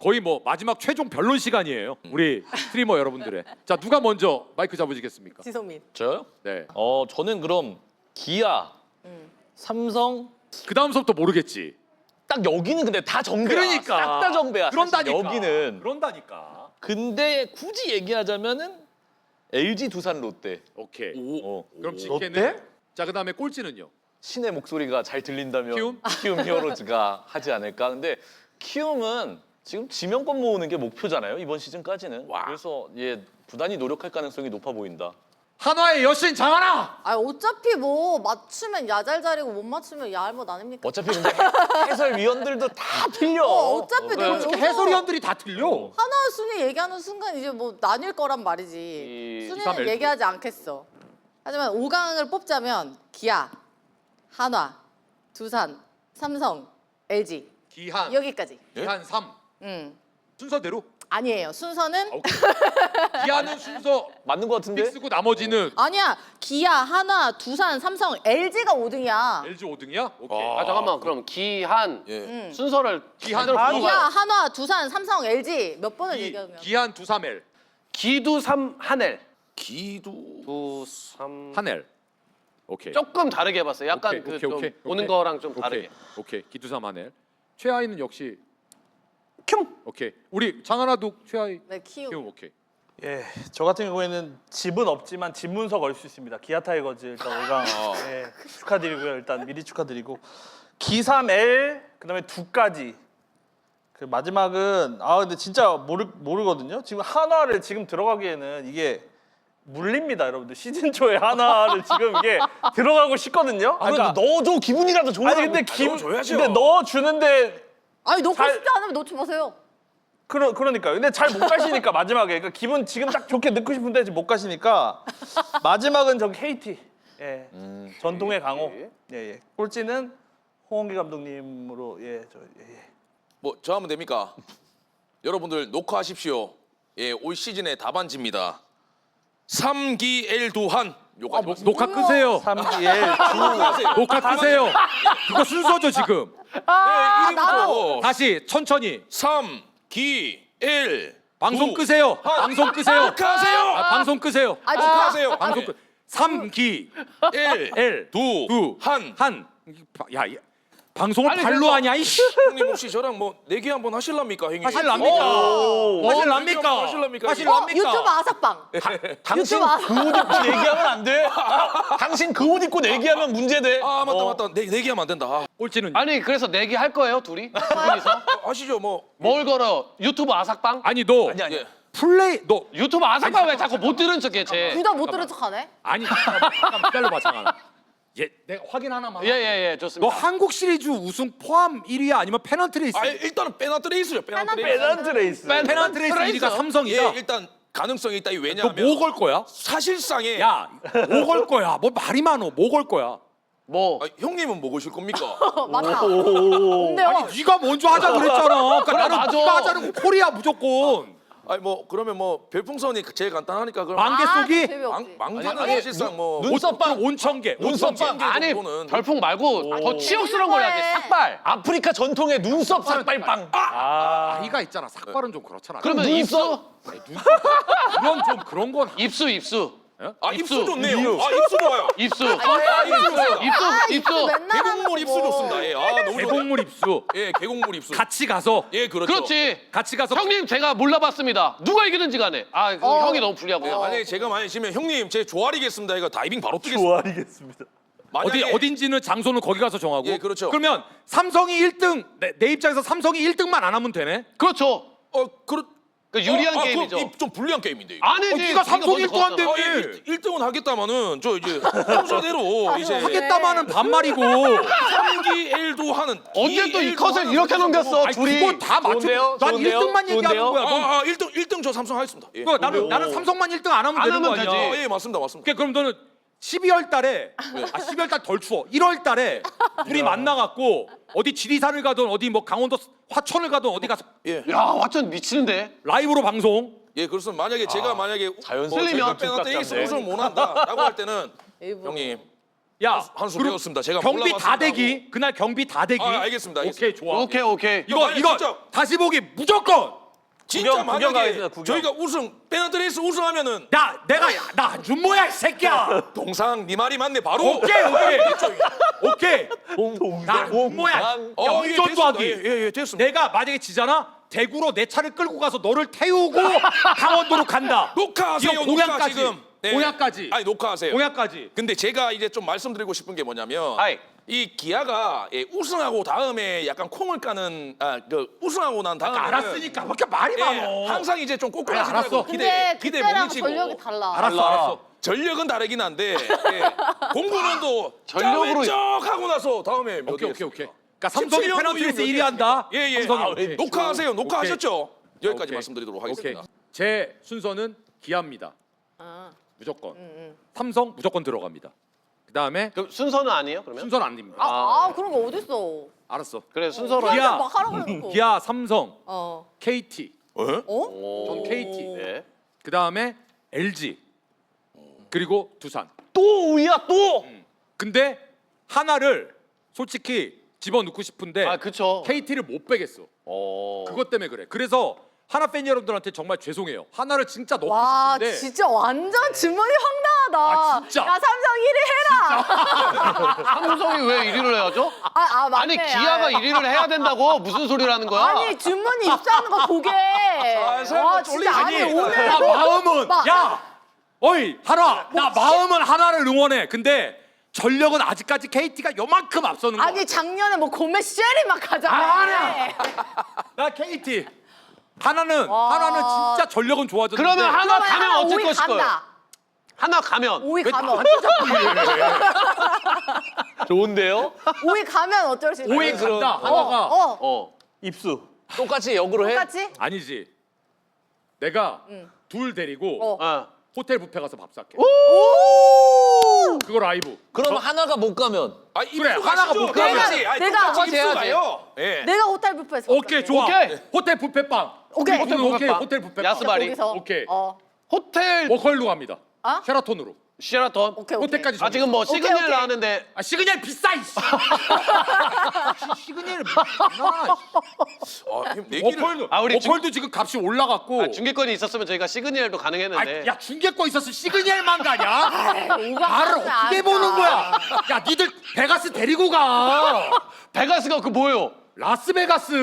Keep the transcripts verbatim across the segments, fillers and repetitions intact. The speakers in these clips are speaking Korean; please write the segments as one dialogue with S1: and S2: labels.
S1: 거의 뭐 마지막 최종 변론 시간이에요. 우리 스트리머 여러분들의. 자, 누가 먼저 마이크 잡으시겠습니까?
S2: 지성민.
S3: 저요?
S1: 네.
S3: 어 저는 그럼 기아,
S2: 음.
S3: 삼성
S1: 그 다음서부터 모르겠지.
S3: 딱 여기는 근데 다 정배야.
S1: 그러니까.
S3: 싹 다 정배야. 사실
S1: 그런다니까.
S3: 여기는.
S1: 그런다니까.
S3: 근데 굳이 얘기하자면은 엘지, 두산, 롯데.
S1: 오케이.
S3: 어.
S1: 그럼
S3: 오.
S1: 직계는. 자, 그다음에 꼴찌는요.
S3: 신의 목소리가 잘 들린다면
S1: 키움?
S3: 키움 히어로즈가 하지 않을까. 근데 키움은 지금 지명권 모으는 게 목표잖아요. 이번 시즌까지는.
S1: 와.
S3: 그래서 예 부단히 노력할 가능성이 높아 보인다.
S1: 한화의 여신 장하나.
S2: 아 어차피 뭐 맞추면 야잘자리고 못 맞추면 야알못 아닙니까?
S3: 어차피 근데 해설위원들도 다 틀려.
S2: 어, 어차피
S3: 네.
S2: 내가
S1: 어떻게
S2: 여기서
S1: 해설위원들이 다 틀려.
S2: 하나 순위 얘기하는 순간 이제 뭐 나뉠 거란 말이지.
S3: 이-
S2: 순위는
S1: 삼 엘
S2: 얘기하지 않겠어. 하지만 오 강을 뽑자면 기아, 한화, 두산, 삼성, 엘지
S1: 기한.
S2: 여기까지.
S1: 기한 삼.
S2: 음
S1: 순서대로.
S2: 아니에요. 순서는
S1: 아, 오케이. 기한은 순서
S3: 맞는 것 같은데?
S1: 픽스고 나머지는
S2: 아니야. 기아, 한화, 두산, 삼성, 엘지가 오 등이야.
S1: 엘지 오 등이야? 오케이.
S4: 아 잠깐만 그럼 기한
S5: 예.
S4: 순서를
S1: 기한,
S4: 제대로
S1: 한화.
S2: 기아,
S4: 풀어봐요.
S2: 한화, 두산, 삼성, 엘지 몇 번을
S1: 기,
S2: 얘기하면
S1: 기한 두 삼 엘.
S4: 기두 삼 한엘
S5: 기도
S4: 두삼
S1: 한엘. 오케이.
S4: 조금 다르게 해봤어요. 약간
S1: 오케이,
S4: 그
S1: 오케이,
S4: 좀
S1: 오케이,
S4: 보는
S1: 오케이.
S4: 거랑 좀
S1: 오케이.
S4: 다르게.
S1: 오케이. 기두삼 한엘. 최하위는 역시
S4: 큐.
S1: 오케이. 우리 장하나도 최하위.
S2: 네, 키우.
S1: 키움 오케이.
S6: 예, 저 같은 경우에는 집은 없지만 집 문서 걸 수 있습니다. 기아 타이거즈 일단 오 강 예, 축하드리고요. 일단 미리 축하드리고 기삼 엘 그다음에 두까지 그 마지막은 아 근데 진짜 모르 모르거든요. 지금 한화를 지금 들어가기에는 이게 물립니다, 여러분들. 시즌 초에 한화를 지금 이게 들어가고 싶거든요.
S3: 아, 그래도 넣어줘 기분이라도 좋으라고.
S6: 아니 근데 김
S5: 넣어줘야죠.
S6: 근데 넣어 주는데
S2: 아니 놓고
S6: 잘-
S2: 싶지 않으면 놓지 마세요.
S6: 그러, 그러니까 근데 잘 못 가시니까 마지막에 그러니까 기분 지금 딱 좋게 넣고 싶은데 지금 못 가시니까 마지막은 저기 케이티 예 전통의 강호 예예 예. 꼴찌는 홍원기 감독님으로 예저 예, 예.
S5: 뭐 저 하면 됩니까? 여러분들 녹화하십시오. 예, 올 시즌의 답안지입니다. 삼기 엘두한 요까지 맞습니다.
S1: 녹화 끄세요.
S6: 삼기 엘
S5: 녹화하세요.
S1: 녹화 끄세요. 그거 순서죠 지금.
S2: 아,
S5: 네,
S2: 나도.
S1: 다시 천천히.
S5: 삼기 엘
S1: 방송 끄세요. 방송 끄세요.
S5: 녹화하세요.
S1: 아, 방송 끄세요.
S2: 아,
S5: 녹화하세요.
S1: 방송 끄. 삼기
S5: 엘
S1: 엘
S5: 두,
S1: 두,
S5: 한.
S1: 한. 야, 야. 방송을
S4: 아니,
S1: 발로
S4: 그래서-
S1: 하냐 이씨.
S5: 형님 혹시 저랑 뭐 내기 한번 하실랍니까, 형님?
S1: 하실랍니까?
S5: 오.
S1: 하실랍니까?
S5: 하실랍니까?
S2: 어,
S1: 하실랍니까?
S2: 유튜브 아삭방.
S3: 당신
S2: 유튜브 아-
S3: 그 옷 입고 내기하면 안 돼. 당신 그 옷 입고 내기하면 문제돼.
S5: 아 맞다 맞다. 내 내기하면 안 된다. 아,
S1: 꼴찌는
S4: 아니 그래서 내기 할 거예요 둘이? 둘이서?
S5: 아시죠 뭐.
S4: 뭘 걸어? 유튜브 아삭방?
S1: 아니 너
S3: 아니 아니.
S5: 예.
S1: 플레이 너
S4: 유튜브 아삭방 왜 자꾸 못 들은 척해 쟤?
S2: 둘 다 못 들은 척하네.
S1: 아니 잠깐만, 잠깐만 기다려봐 잠깐. 얘 내가 확인 하나만.
S4: 예예예
S1: 너
S4: 좋습니다.
S1: 한국 시리즈 우승 포함 일 위야 아니면 페넌트 레이스?
S5: 아 일단은 페넌트 레이스죠. 페넌트 레이스.
S6: 페넌트 레이스
S4: 뺀-
S1: 페넌트 레이스 일 위가
S5: 예,
S1: 삼성이다.
S5: 일단 가능성이 있다.
S1: 너
S5: 왜냐하면
S1: 뭐 걸 거야?
S5: 사실상에
S1: 야, 뭐 걸 거야? 뭐 말이 많어. 뭐 걸 거야?
S4: 뭐
S5: 아, 형님은 뭐 거실 겁니까?
S2: 어, 맞다. 근데요.
S1: 아니 네가 먼저 하자 그랬잖아. 그러니까 나는
S4: 맞아.
S1: 네가 하자는 콜이야 무조건.
S5: 아니 뭐 그러면 뭐 별풍선이 제일 간단하니까 그럼
S1: 만개
S2: 아,
S1: 쏘기?
S2: 재미없지.
S5: 망 망개는
S4: 아니,
S5: 사실상 뭐
S3: 눈썹빵.
S1: 온천개.
S3: 눈썹빵.
S4: 아니
S5: 정도는-
S4: 별풍 말고 더 치욕스러운 걸 해야지. 삭발.
S3: 아프리카 전통의 눈썹 삭발빵.
S1: 아이가 있잖아. 삭발은 좀 그렇잖아.
S4: 그러면 입수?
S1: 그런 좀 그런 건
S4: 입수 입수.
S5: 아 입수
S4: 입수.
S5: 좋네요. 아 입수 좋아요.
S4: 입수.
S5: 아 입수 좋습니다.
S4: 입수
S2: 아,
S4: 입수.
S2: 맨날 하는
S5: 계곡물 입수
S2: 거고.
S5: 좋습니다. 예. 아 너무 좋아요.
S1: 계곡물 입수.
S5: 예, 계곡물 입수.
S1: 같이 가서
S5: 예, 그렇죠.
S4: 그렇지.
S1: 같이 가서
S4: 형님 제가 몰라봤습니다. 누가 이기는지 간에. 아 그
S2: 어.
S4: 형이 너무 불리하고.
S5: 예, 만약에 제가 만약에 지면 형님 제 조아리겠습니다. 이거 다이빙 바로 뛰겠습니다.
S6: 좋아하겠습니다.
S1: 어디
S5: 만약에-
S1: 어딘지는 장소는 거기 가서 정하고.
S5: 예, 그렇죠.
S1: 그러면 삼성이 일 등 내, 내 입장에서 삼성이 일 등만 안 하면 되네.
S4: 그렇죠.
S5: 어 그렇
S4: 그 유리한
S5: 어, 아,
S4: 게임이죠.
S5: 그럼 이- 좀 불리한 게임인데. 이거.
S4: 아니지.
S1: 어, 네가 삼성 일 등
S4: 먼저
S1: 한대.
S4: 걷었잖아.
S5: 아, 예, 일 등은 하겠다마는 저 이제 순서대로 이제
S1: 하겠다마는 반말이고.
S5: 삼기 엘도 하는
S4: 언제 또 이
S5: D엘도
S4: 컷을
S5: 하는
S4: 이렇게
S5: 선수고.
S4: 넘겼어?
S1: 아니,
S4: 둘이.
S1: 그거 다 맞춰.
S3: 좋은데요?
S1: 난
S3: 좋은데요?
S1: 일 등만 얘기하는
S3: 좋은데요?
S1: 거야. 넌-
S5: 아, 아 일 등 일 등 저 삼성 하겠습니다. 예.
S1: 그거 나는 나는 삼성만 일 등 안 하면
S4: 안
S1: 되는 거
S4: 하면
S1: 아니야.
S4: 되지.
S5: 아, 예, 맞습니다. 맞습니다.
S1: 그러니까 그럼 너는 십이월 달에 아 십이월 달 덜 추워. 일월 달에 둘이 만나 갖고 어디 지리산을 가든 어디 뭐 강원도 화천을 가든 어디 가서
S5: 예.
S4: 야 완전 미치는데.
S1: 라이브로 방송.
S5: 예, 그렇습니다. 만약에 제가 만약에
S3: 자연
S5: 뭐
S4: 슬리면
S5: 제가 페널티
S3: 족같지
S5: 레이스
S3: 않네.
S5: 우승을 못 한다라고 할 때는
S2: 일부.
S5: 형님
S1: 야,
S5: 한수
S1: 그리고
S5: 배웠습니다. 제가
S1: 경비
S5: 몰라봤습니다
S1: 다 대기. 그날 경비 다 대기.
S5: 아, 알겠습니다,
S1: 오케이, 좋아.
S4: 오케이 오케이.
S1: 이거
S5: 아니,
S1: 이거
S5: 진짜.
S1: 다시 보기 무조건.
S5: 진짜
S6: 구경, 구경
S5: 만약에
S6: 가겠습니다, 구경.
S5: 저희가 우승 페넌트레이스 우승하면은
S1: 나 내가 나 안준모야 이 새끼야.
S5: 동상 네 말이 맞네 바로.
S1: 오케이 오케이 오케이. 나 안준모야.
S5: 어,
S1: 야,
S5: 예,
S1: 운전도하기.
S5: 됐습니다. 예, 예, 됐습니다.
S1: 내가 만약에 지잖아. 대구로 내 차를 끌고 가서 너를 태우고 강원도로 간다.
S5: 녹화하세요.
S1: 이거
S5: 녹화
S1: 공약까지.
S5: 지금. 네.
S1: 공약까지.
S5: 아니 녹화하세요.
S1: 공약까지.
S5: 근데 제가 이제 좀 말씀드리고 싶은 게 뭐냐면
S4: 하이.
S5: 이 기아가 예, 우승하고 다음에 약간 콩을 까는 아 그 우승하고 난 다음에
S1: 알았으니까 왜 이렇게 말이 많어.
S5: 항상 이제 좀
S1: 아니,
S5: 꼬꾸라지더라고
S1: 알았어.
S5: 기대
S2: 근데
S5: 기대 못
S2: 그때랑
S5: 미치고
S2: 전력이 달라.
S1: 알았어 알았어.
S5: 전력은 다르긴 한데 예, 공군은도
S4: 전력으로-
S5: 쫙 하고 나서 다음에 몇
S1: 오케이
S5: 위
S1: 오케이 오케이.
S5: 했습니까?
S1: 그러니까 삼성이
S5: 십칠 년도
S1: 페널티레이스
S5: 이후에
S1: 일 위 한다.
S5: 예예.
S1: 삼성이
S5: 아,
S1: 오케이.
S5: 녹화하세요. 녹화하셨죠? 여기까지
S1: 오케이.
S5: 말씀드리도록
S1: 오케이.
S5: 하겠습니다.
S1: 제 순서는 기아입니다.
S2: 아,
S1: 무조건.
S2: 음.
S1: 삼성 무조건 들어갑니다. 그다음에
S4: 그럼 순서는 아니에요 그러면?
S1: 순서는 안 됩니다.
S2: 아, 아, 그런 거 어딨어.
S1: 알았어.
S4: 그래 순서로.
S1: 기아.
S2: 기아 막 하라고 해놓고.
S1: 기아, 삼성,
S2: 어.
S1: 케이티.
S5: 어?
S2: 어?
S1: 전 케이티.
S4: 네.
S1: 그다음에 엘지. 그리고 두산.
S4: 또 우야 또.
S1: 근데 하나를 솔직히 집어넣고 싶은데
S4: 아 그쵸.
S1: 케이티를 못 빼겠어.
S4: 어.
S1: 그것 때문에 그래. 그래서 하나 팬 여러분들한테 정말 죄송해요. 하나를 진짜 넣고
S2: 와,
S1: 싶은데
S2: 진짜 완전 주머니 황당하다.
S1: 아, 진짜.
S2: 야, 삼성 일 위 해라.
S4: 삼성이 왜 일 위를 해야죠?
S2: 아, 아, 맞네.
S4: 아니 기아가
S2: 아,
S4: 일 위를 해야 된다고 무슨 소리를 하는 거야?
S2: 아니, 주머니 입사하는 거 보게. 와, 진짜 아니, 오늘
S1: 나 마음은
S2: 막-
S1: 야 어이 하나 나 마음은 하나를 응원해. 근데 전력은 아직까지 케이티가 요만큼 앞서는 거.
S2: 아니, 작년에 뭐 고메 쉐리 막 가잖아.
S1: 아니야. 나 케이티. 하나는
S2: 와.
S1: 하나는 진짜 전력은 좋아졌는데.
S4: 그러면 하나
S2: 그러면
S4: 가면
S2: 하나
S4: 어쩔
S2: 오 위
S4: 것일 거예요?
S2: 간다.
S4: 하나 가면
S2: 오 위
S1: 왜
S2: 가면
S1: 나한테 자꾸 이래?
S3: 좋은데요?
S2: 오 위 가면 어쩔 수 있어?
S1: 오 위 간다. 하나가
S2: 어, 어.
S4: 어.
S6: 입수.
S3: 똑같이 역으로 해?
S2: 똑같이?
S1: 아니지. 내가
S2: 응.
S1: 둘 데리고
S2: 어.
S4: 어.
S1: 호텔 뷔페 가서 밥 살게.
S2: 오!
S1: 그거 라이브.
S3: 그럼 하나가 못 가면
S5: 아,
S1: 그래,
S5: 입수
S1: 하나가
S5: 가시죠.
S1: 못 가면-
S5: 똑같이. 아니,
S2: 내가-
S5: 똑같이 입수
S3: 해야지.
S5: 가요. 예.
S2: 내가 호텔 뷔페에서
S1: 오케이 좋아.
S4: 오케이.
S1: 호텔 뷔페빵.
S2: 오케이.
S1: 호텔
S4: 호텔
S1: 오케이
S4: 뷔페빵.
S1: 호텔 뷔페빵.
S4: 야스바리.
S2: 거기서.
S1: 오케이.
S2: 어.
S4: 호텔
S1: 워컬로 갑니다.
S2: 어?
S1: 쉐라톤으로.
S4: 시라톤.
S2: 오케이, 오케이.
S1: 호텔까지.
S4: 아 지금 뭐
S2: 오케이,
S4: 시그널
S2: 오케이.
S4: 나왔는데
S1: 아 시그널 비싸 이씨. 시그널 비싸.
S5: 아, 형, 내기를
S1: 워컬도
S4: 아, 우리
S1: 워컬도 지금 값이 올라갔고.
S4: 아, 중계권이 있었으면 저희가 시그널도
S1: 아,
S4: 가능했는데.
S1: 야 중계권 있었어 시그널만 가냐?
S2: 오가
S1: 나를
S2: 하면
S1: 어떻게
S2: 안
S1: 보는
S2: 가.
S1: 거야? 야 니들 베가스 데리고 가.
S4: 베가스가 그 뭐예요?
S1: 라스베가스.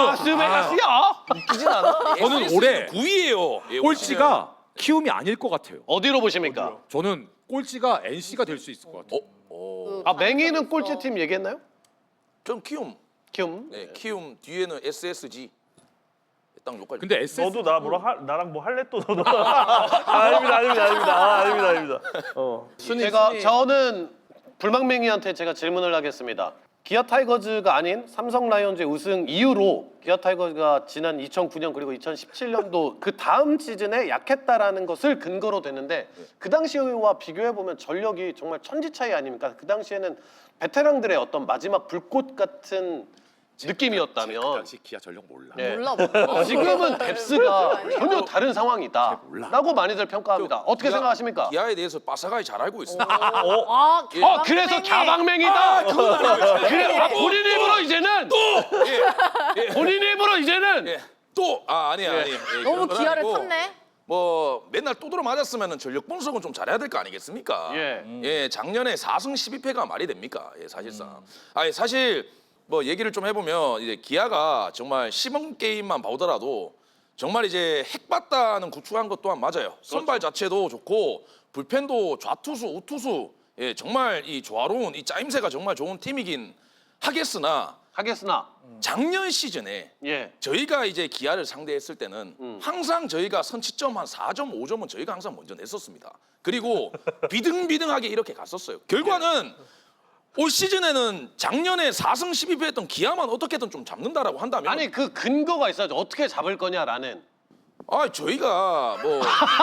S4: 라스베가스야?
S3: 웃기진 않아?
S1: 저는 올해
S5: 구 위예요. 예,
S1: 꼴찌가 키움이 아닐 것 같아요.
S4: 어디로 보십니까?
S1: 저는 꼴찌가 엔씨가 될 수 있을 것 같아요.
S2: 그
S4: 아 맹이는
S2: 감독이
S4: 꼴찌
S2: 있어.
S4: 팀 얘기했나요?
S5: 전 키움.
S4: 키움.
S5: 네, 키움 뒤에는 에스에스지. 딱 여기까지.
S1: 근데 에스에스
S6: 너도 나 뭐라 하, 나랑 뭐 할래 또 너도. 아, 아닙니다, 아닙니다, 아닙니다, 아, 아닙니다, 아닙니다. 어.
S4: 제가 저는 불망맹이한테 제가 질문을 하겠습니다. 기아 타이거즈가 아닌 삼성 라이온즈의 우승 이후로 기아 타이거즈가 지난 이천구 년 그리고 이천십칠 년도 그 다음 시즌에 약했다라는 것을 근거로 됐는데 그 당시와 비교해 보면 전력이 정말 천지 차이 아닙니까? 그 당시에는 베테랑들의 어떤 마지막 불꽃 같은 느낌이었다면
S1: 그 당시 기아 전력 몰라.
S4: 예.
S2: 몰라, 몰라.
S4: 지금은 뎁스가 전혀 다른 상황이다라고 많이들 평가합니다. 어떻게
S5: 기아-
S4: 생각하십니까?
S5: 기아에 대해서 빠삭하게 잘 알고 있습니다.
S2: 아,
S4: 어 그래서 갸방맹이다. 그래 아, 본인 입으로 이제는
S5: 예,
S4: 본인 입으로 이제는
S5: 예. 또 아, 아니 아니. 예,
S2: 너무
S5: 그런 건
S2: 기아를
S5: 아니고
S2: 탔네.
S5: 뭐 맨날 두드러 맞았으면 전력 분석은 좀 잘해야 될 거 아니겠습니까?
S4: 예.
S5: 예, 작년에 사 승 십이 패가 말이 됩니까? 예, 사실상.
S1: 음.
S5: 아니 사실 뭐 얘기를 좀 해보면 이제 기아가 정말 시범 게임만 보더라도 정말 이제 핵받다는 구축한 것 또한 맞아요. 선발 자체도 좋고 불펜도 좌투수, 우투수 예, 정말 이 조화로운 이 짜임새가 정말 좋은 팀이긴 하겠으나
S4: 하겠으나
S5: 작년 시즌에
S4: 예.
S5: 저희가 이제 기아를 상대했을 때는
S4: 음.
S5: 항상 저희가 선취점 한 사 점 오 점은 저희가 항상 먼저 냈었습니다. 그리고 비등비등하게 이렇게 갔었어요. 결과는 올 시즌에는 작년에 사 승 십이 패 했던 기아만 어떻게든 좀 잡는다라고 한다면
S4: 아니 그 근거가 있어야죠. 어떻게 잡을 거냐라는.
S5: 아 저희가 뭐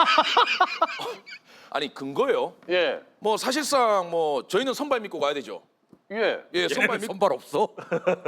S5: 아니 근거요.
S4: 예.
S5: 뭐 사실상 뭐 저희는 선발 믿고 가야 되죠.
S4: 예.
S5: 예, 선발
S1: 얘네는
S5: 믿고
S1: 선발 없어?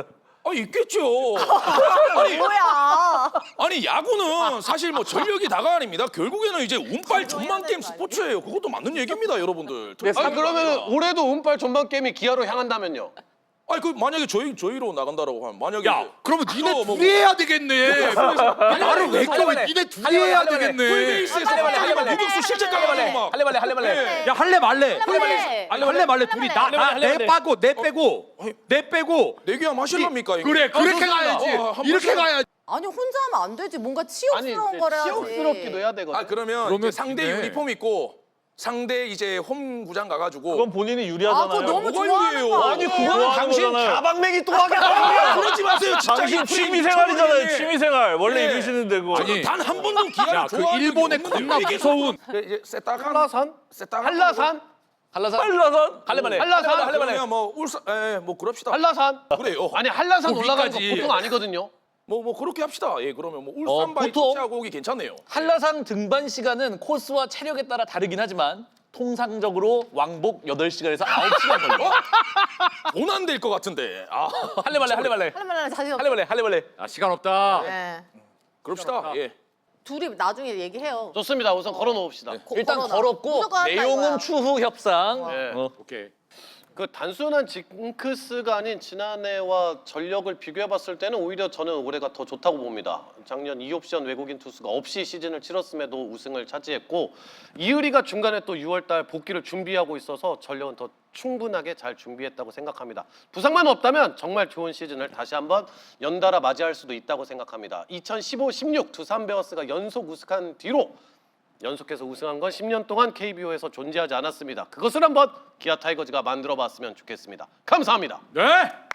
S5: 아 있겠죠. 아니,
S2: 뭐야?
S5: 아니 야구는 사실 뭐 전력이 다가 아닙니다. 결국에는 이제 운빨 전망 게임 스포츠예요. 그것도 맞는 얘기입니다, 여러분들.
S4: 아 그러면 올해도 운빨 전반 게임이 기아로 향한다면요?
S5: 아니 그 만약에 저희 저희로 나간다라고 하면 만약에
S1: 야,
S5: 이제
S1: 그러면 니네
S5: 또 뭐-
S1: 둘이 해야 되겠네. 말을 왜 꺼? 니네 둘이 해야 되겠네.
S5: 풀베이스에서 갑자기 막 무격수 실책 가가지고 막
S3: 할래 말래 할래 말래.
S1: 야 할래 말래.
S2: 할래.
S1: 아니 할래 말래 둘이 나 나 내 빠고 내 빼고 내 빼고.
S5: 내기야 마실랍니까 이거?
S1: 그래 그렇게
S4: 좋습니다.
S1: 가야지.
S5: 어, 한번
S1: 이렇게
S5: 해봐.
S1: 가야지.
S2: 아니 혼자 하면 안 되지. 뭔가
S4: 아니
S2: 치욕스러운 거라 하지.
S4: 치욕스럽기도 해야 되거든.
S5: 아 그러면,
S1: 그러면
S5: 이제 상대
S1: 네.
S5: 유니폼 입고 상대 이제 홈 구장 가가지고
S6: 그건 본인이
S2: 아,
S6: 유리하잖아요.
S2: 그거 너무
S5: 뭐가
S2: 좋아하는
S5: 유리해요?
S2: 거
S5: 아니,
S2: 아니에요?
S6: 그거는 당신
S4: 가방맹이 또 하겠다.
S5: 그러지 마세요. 진짜
S6: 당신
S5: 이
S6: 취미
S5: 프레임
S6: 생활이잖아요.
S5: 미쳐버리네.
S6: 취미 생활. 원래
S5: 네.
S6: 이러시는 데고.
S1: 아니,
S5: 단 한 번도 기아를
S1: 야, 그
S5: 좋아한 적이
S1: 일본의
S5: 없는데
S1: 겁나
S5: 왜 이게
S1: 무서운
S5: 그 이제 세따간
S4: 한라산?
S5: 세따간
S4: 한라산?
S3: 한라산
S6: 한라산?
S3: 할래 말래.
S4: 한라산?
S3: 할래 말래.
S5: 그러면 뭐 울산 에뭐 그럽시다.
S4: 한라산?
S5: 그래요.
S4: 아니 한라산
S1: 그
S4: 올라가는 거
S1: 위까지.
S4: 보통 아니거든요.
S5: 뭐 뭐 그렇게 합시다. 예 그러면 뭐
S3: 어,
S5: 울산 바이
S3: 보통-
S5: 터치하고 오기 괜찮네요.
S3: 한라산 등반 시간은 코스와 체력에 따라 다르긴 하지만 통상적으로 왕복 여덟 시간에서 아홉 시간 걸려.
S5: 돈 안 될 것 같은데. 아
S3: 할래 말래 할래 말래.
S2: 할래 말래 자신 없어.
S3: 할래 말래 할래 말래.
S1: 아 시간 없다.
S2: 네.
S5: 그럽시다. 예.
S2: 둘이 나중에 얘기해요.
S4: 좋습니다. 우선 걸어놓읍시다.
S2: 고-
S3: 일단
S2: 걸어놔.
S3: 걸었고
S2: 무조건 한다
S3: 내용은
S2: 이거야.
S3: 추후 협상.
S4: 네.
S3: 어.
S1: 오케이.
S4: 그 단순한 징크스가 아닌 지난해와 전력을 비교해봤을 때는 오히려 저는 올해가 더 좋다고 봅니다. 작년 이 옵션 외국인 투수가 없이 시즌을 치렀음에도 우승을 차지했고 이의리가 중간에 또 유월달 복귀를 준비하고 있어서 전력은 더 충분하게 잘 준비했다고 생각합니다. 부상만 없다면 정말 좋은 시즌을 다시 한번 연달아 맞이할 수도 있다고 생각합니다. 이천십오 십육 두산 베어스가 연속 우승한 뒤로 연속해서 우승한 건 십 년 동안 케이비오에서 존재하지 않았습니다. 그것을 한번 기아 타이거즈가 만들어봤으면 좋겠습니다. 감사합니다.
S1: 네.